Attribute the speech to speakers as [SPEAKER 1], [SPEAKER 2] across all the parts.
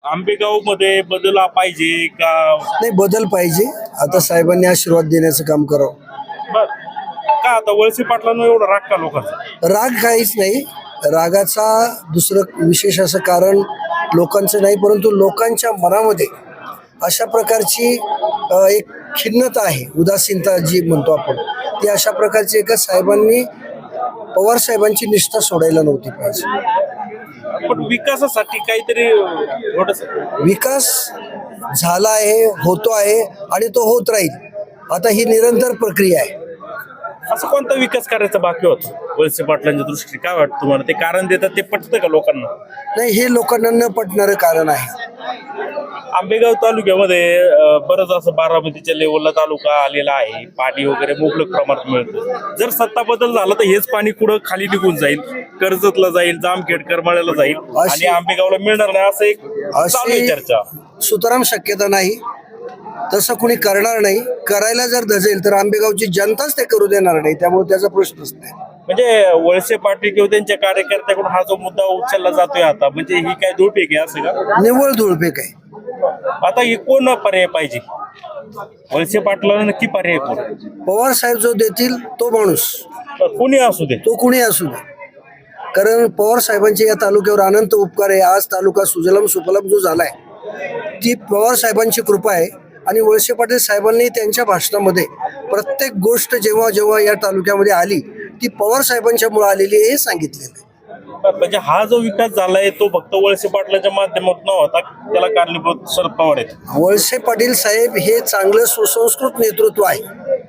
[SPEAKER 1] आंबेगाव मध्ये बदल पाहिजे का?
[SPEAKER 2] नाही, बदल पाहिजे. आता साहेबांनी आशीर्वाद देण्याचं काम करावं.
[SPEAKER 1] बर. का आता वळसे पाटलांना एवढा राग का लोकांचा?
[SPEAKER 2] राग काहीच नाही. रागाचा दुसरं विशेष असं कारण लोकांचं नाही, परंतु लोकांच्या मनामध्ये अशा प्रकारची एक खिन्नता आहे, उदासीनता जी म्हणतो आपण, ती अशा प्रकारची एका साहेबांनी पवार साहेबांची निष्ठा सोडायला नव्हती पाहिजे.
[SPEAKER 1] पण विकासासाठी काहीतरी थोडस
[SPEAKER 2] विकास झाला आहे, होतो आहे आणि तो होत राहील. आता ही निरंतर प्रक्रिया आहे.
[SPEAKER 1] असं कोणता विकास करायचा बाकी होता वळसे पाटलांच्या दृष्टीने? काय वाटतं तुम्हाला? ते कारण देतात ते पटतं का लोकांना?
[SPEAKER 2] नाही, हे लोकांना न पटणारं कारण आहे.
[SPEAKER 1] आंबेगाव तालुक्यामध्ये बरंच असं बारामतीच्या लेवलला तालुका आलेला आहे. पाणी वगैरे मुबलक प्रमाणात मिळतं. जर सत्ता बदल झाला तर हेच पाणी कुठं खाली निघून जाईल, कर्जतला जाईल, जामखेड करमाळ्याला जाईल आणि आंबेगावला मिळणार नाही, असं एक चालू आहे चर्चा.
[SPEAKER 2] सुतराम शक्यता नाही. तसं कुणी करणार नाही. करायला जर धजेल तर आंबेगावची जनताच ते करू देणार नाही. त्यामुळे त्याचा प्रश्नच नाही.
[SPEAKER 1] म्हणजे वळसे पाटील किंवा त्यांच्या कार्यकर्त्याकडून हा जो मुद्दा उचलला जातोय आता, म्हणजे ही काय धुळपेक आहे असं का?
[SPEAKER 2] निव्वळ धुळपेक आहे.
[SPEAKER 1] आता ही कोण पर्याय पाहिजे? वळसे पाटलांना नक्की पर्याय कोण?
[SPEAKER 2] पवार साहेब जो देतील तो माणूस,
[SPEAKER 1] कोणी असू दे,
[SPEAKER 2] तो कुणी असू दे. कारण पवार साहेबांचे या तालुक्यावर अनंत उपकार आहे. आज तालुका सुजलाम सुफलाम जो झालाय ती पवार साहेबांची कृपा आहे. आणि वळसे पाटील साहेबांनी त्यांच्या भाषणामध्ये प्रत्येक गोष्ट जेव्हा जेव्हा या तालुक्यामध्ये आली ती पवार साहेबांच्या मुळे आलेली आहे हे सांगितलेलं आहे.
[SPEAKER 1] म्हणजे हा जो विकास झालाय तो फक्त वळसे पाटलाच्या माध्यमातून नव्हता, त्याला कारणीभूत शरद पवार आहेत.
[SPEAKER 2] वळसे पाटील साहेब हे चांगलं सुसंस्कृत नेतृत्व आहे.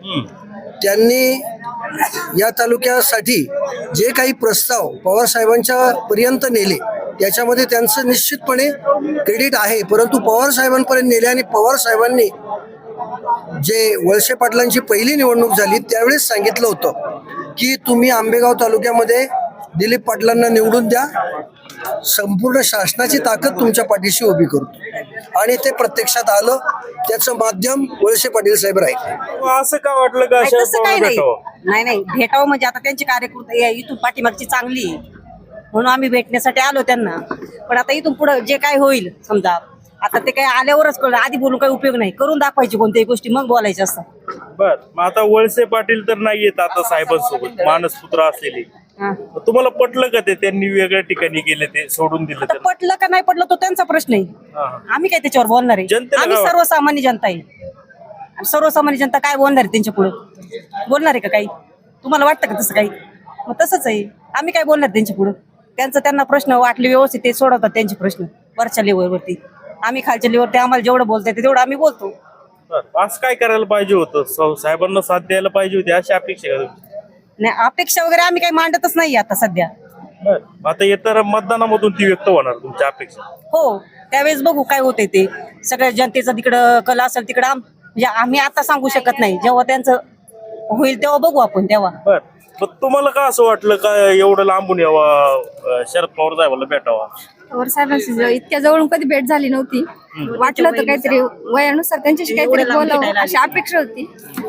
[SPEAKER 2] त्यांनी या तालुक्यासाठी जे काही प्रस्ताव पवार साहेबांच्या पर्यंत नेले त्याच्यामध्ये त्यांचं निश्चितपणे क्रेडिट आहे. परंतु पवार साहेबांपर्यंत नेले आणि पवार साहेबांनी जे वळसे पाटलांची पहिली निवडणूक झाली त्यावेळेस सांगितलं होतं की तुम्ही आंबेगाव तालुक्यामध्ये दिलीप पाटलांना निवडून द्या, संपूर्ण शासनाची ताकद तुमच्या पाठीशी उभी करतो. आणि ते प्रत्यक्षात आलं. त्याचं माध्यम वळसे पाटील साहेब राहिले.
[SPEAKER 1] असं का वाटलं का
[SPEAKER 3] तसं काही नाही. नाही भेटावं म्हणजे आता त्यांची कार्यकर्ते इथून पाठीमागची चांगली म्हणून आम्ही भेटण्यासाठी आलो त्यांना. पण आता इथून पुढे जे काय होईल समजा आता ते काय आल्यावरच कळलं. आधी बोलून काही उपयोग नाही. करून दाखवायची कोणत्याही गोष्टी मग बोलायच्या असतात.
[SPEAKER 1] बर. मग आता वळसे पाटील तर नाही येत आता साहेबांसोबत, मानसपुत्र असलेले. तुम्हाला पटलं का ते त्यांनी वेगळ्या ठिकाणी गेले, ते सोडून दिलं?
[SPEAKER 3] आता पटलं का नाही पटलं तो त्यांचा प्रश्न आहे. आम्ही काय त्याच्यावर बोलणार आहे? आम्ही सर्वसामान्य जनता आहे. आणि सर्वसामान्य जनता काय बोलणार आहे त्यांच्या पुढे? बोलणार आहे का काही? तुम्हाला वाटतं का तसं काही? मग तसंच आहे. आम्ही काय बोलणार त्यांच्या पुढे? त्यांना प्रश्न वाटले व्यवस्थित ते सोडवतात त्यांचे प्रश्न वरच्या लेवलवरती. आम्ही खालच्या लेवलवरती आम्हाला जेवढं बोलता येते तेवढं आम्ही बोलतो.
[SPEAKER 1] असं काय करायला पाहिजे होतं? साहेबांना साथ द्यायला पाहिजे होती अशी अपेक्षा का?
[SPEAKER 3] नाही, अपेक्षा वगैरे आम्ही काही मांडतच नाही आता सध्या.
[SPEAKER 1] आता येताना मतदानामधून ती व्यक्त होणार तुमच्या अपेक्षा?
[SPEAKER 3] हो, त्यावेळेस बघू काय होतंय ते. सगळ्या जनतेचा तिकडं कल असेल तिकडं म्हणजे आम्ही आता सांगू शकत नाही. जेव्हा त्यांचं होईल तेव्हा बघू आपण तेव्हा.
[SPEAKER 1] बर. तुम्हाला का असं वाटलं का एवढं लांबून यावं, शरद पवार साहेबांना भेटावा?
[SPEAKER 4] पवार साहेबांशी इतक्या जवळून कधी भेट झाली नव्हती. वाटलं होतं काहीतरी वयानुसार त्यांच्याशी काहीतरी बोलावं अशी अपेक्षा होती.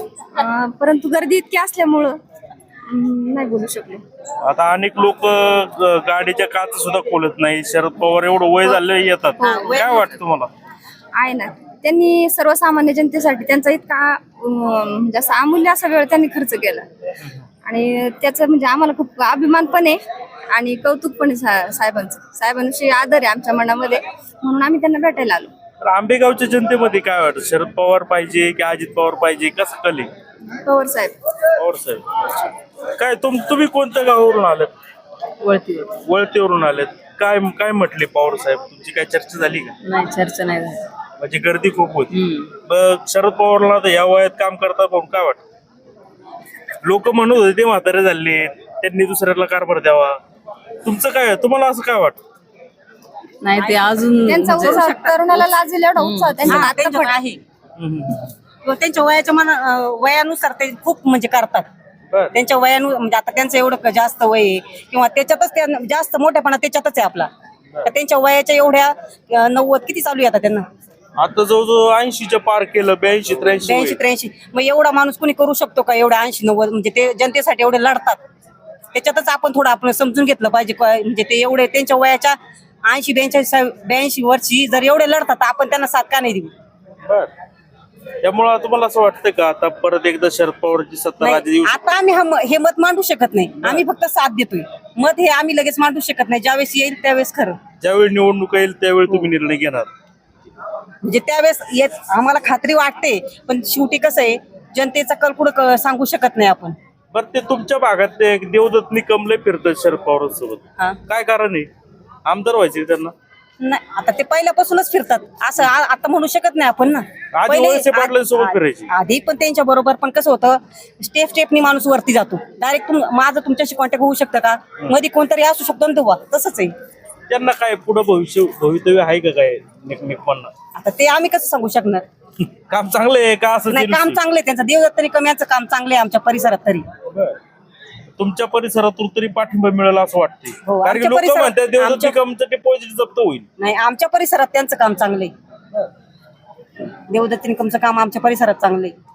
[SPEAKER 4] परंतु गर्दी इतकी असल्यामुळं नाही बोलू शकले.
[SPEAKER 1] आता अनेक लोक गाडीच्या काच सुद्धा खोलत नाही. शरद पवार एवढं वय झालं येतात. काय वाटतं तुम्हाला?
[SPEAKER 4] आहे ना, त्यांनी सर्वसामान्य जनतेसाठी त्यांचा इतका म्हणजे असा अमूल्य असा वेळ त्यांनी खर्च केला आणि त्याचं म्हणजे आम्हाला खूप अभिमान पण आहे आणि कौतुक पण आहे साहेबांविषयी आदर आहे आमच्या मनामध्ये. म्हणून आम्ही त्यांना भेटायला आलो.
[SPEAKER 1] आंबेगावच्या जनतेमध्ये काय वाटतं? शरद पवार पाहिजे की अजित पवार पाहिजे? कसं कले?
[SPEAKER 4] पवार साहेब.
[SPEAKER 1] पवार साहेब. काय तुम्ही कोणत्या गावावरून आलेत? वळतीवरून आलेत. काय काय म्हटले पवार साहेब? तुमची काय चर्चा झाली का?
[SPEAKER 3] नाही, चर्चा नाही झाली.
[SPEAKER 1] म्हणजे गर्दी खूप होती. मग शरद पवारला तर या वयात काम करतात म्हणून काय वाटतं? लोक म्हणत होते ते म्हातारे झाले, त्यांनी दुसऱ्याला कारभार द्यावा. तुमचं काय, तुम्हाला असं काय वाटतं?
[SPEAKER 3] नाही, ते अजून
[SPEAKER 4] त्यांचा उत्साह तरुणाला लाजेल एवढा उत्साह
[SPEAKER 3] त्यांच्याकडे आहे. त्यांच्या वयानुसार ते खूप म्हणजे करतात. त्यांच्या म्हणजे आता त्यांचं एवढं जास्त वय आहे किंवा त्याच्यातच जास्त मोठेपणा त्याच्यातच आहे आपला. तर त्यांच्या वयाच्या एवढ्या 90 किती चालू आहे आता त्यांना?
[SPEAKER 1] आता जवळजवळ 80च्या पार केलं. 82-83.
[SPEAKER 3] मग एवढा माणूस कोणी करू शकतो का? एवढा 80-90 म्हणजे ते जनतेसाठी एवढे लढतात. त्याच्यातच आपण थोडं आपण समजून घेतलं पाहिजे. म्हणजे ते एवढे त्यांच्या वयाच्या 82 वर्षी जर एवढे लढतात तर आपण त्यांना साथ का नाही देऊ?
[SPEAKER 1] बर. त्यामुळं तुम्हाला असं वाटतं का आता परत एकदा शरद पवारची सत्ता
[SPEAKER 3] नाही,
[SPEAKER 1] राज्यात येऊ
[SPEAKER 3] आता आम्ही हे मत मांडू शकत नाही. आम्ही फक्त साथ देतोय. मत हे आम्ही लगेच मांडू शकत नाही. ज्यावेळेस येईल त्यावेळेस खरं,
[SPEAKER 1] ज्यावेळी निवडणूक येईल त्यावेळी तुम्ही निर्णय घेणार?
[SPEAKER 3] म्हणजे त्यावेळेस आम्हाला खात्री वाटते, पण शेवटी कसं आहे, जनतेचा कल कुठं सांगू शकत नाही आपण.
[SPEAKER 1] बरं, ते तुमच्या भागात ते देवदत्त निकम लय फिरतात शरद पवार सोबत,
[SPEAKER 3] हा.
[SPEAKER 1] काय कारण आहे? आमदार व्हायचे त्यांना?
[SPEAKER 3] नाही, आता ते पहिल्यापासूनच फिरतात असं आता म्हणू शकत नाही आपण ना.
[SPEAKER 1] आधी वळसे पाटलांसोबत फिरायचे.
[SPEAKER 3] आधी पण त्यांच्या बरोबर, पण कसं होतं, स्टेपनी माणूस वरती जातो. डायरेक्ट माझं तुमच्याशी कॉन्टॅक्ट होऊ शकतं का? मध्ये कोणतरी असू शकतो ना तेव्हा, तसंच आहे.
[SPEAKER 1] त्यांना काय पुढे भवितव्य आहे का काय निकमांना?
[SPEAKER 3] आता ते आम्ही कसं सांगू शकणार?
[SPEAKER 1] काम चांगलं आहे का असं?
[SPEAKER 3] नाही, काम चांगलं आहे त्यांचं. देवदत्त निकम यांचं काम चांगलं आहे आमच्या परिसरात तरी.
[SPEAKER 1] तुमच्या परिसरातून तरी पाठिंबा मिळाला असं वाटतंय?
[SPEAKER 3] हो,
[SPEAKER 1] कारण की
[SPEAKER 3] आमच्या
[SPEAKER 1] लोक
[SPEAKER 3] परिसरात-
[SPEAKER 1] म्हणतात देवदत्त
[SPEAKER 3] आमच्या-
[SPEAKER 1] निकमचं डिपॉझिट जप्त होईल.
[SPEAKER 3] नाही, आमच्या परिसरात त्यांचं काम चांगलं आहे. देवदत्त निकमचं काम आमच्या परिसरात चांगलं आहे.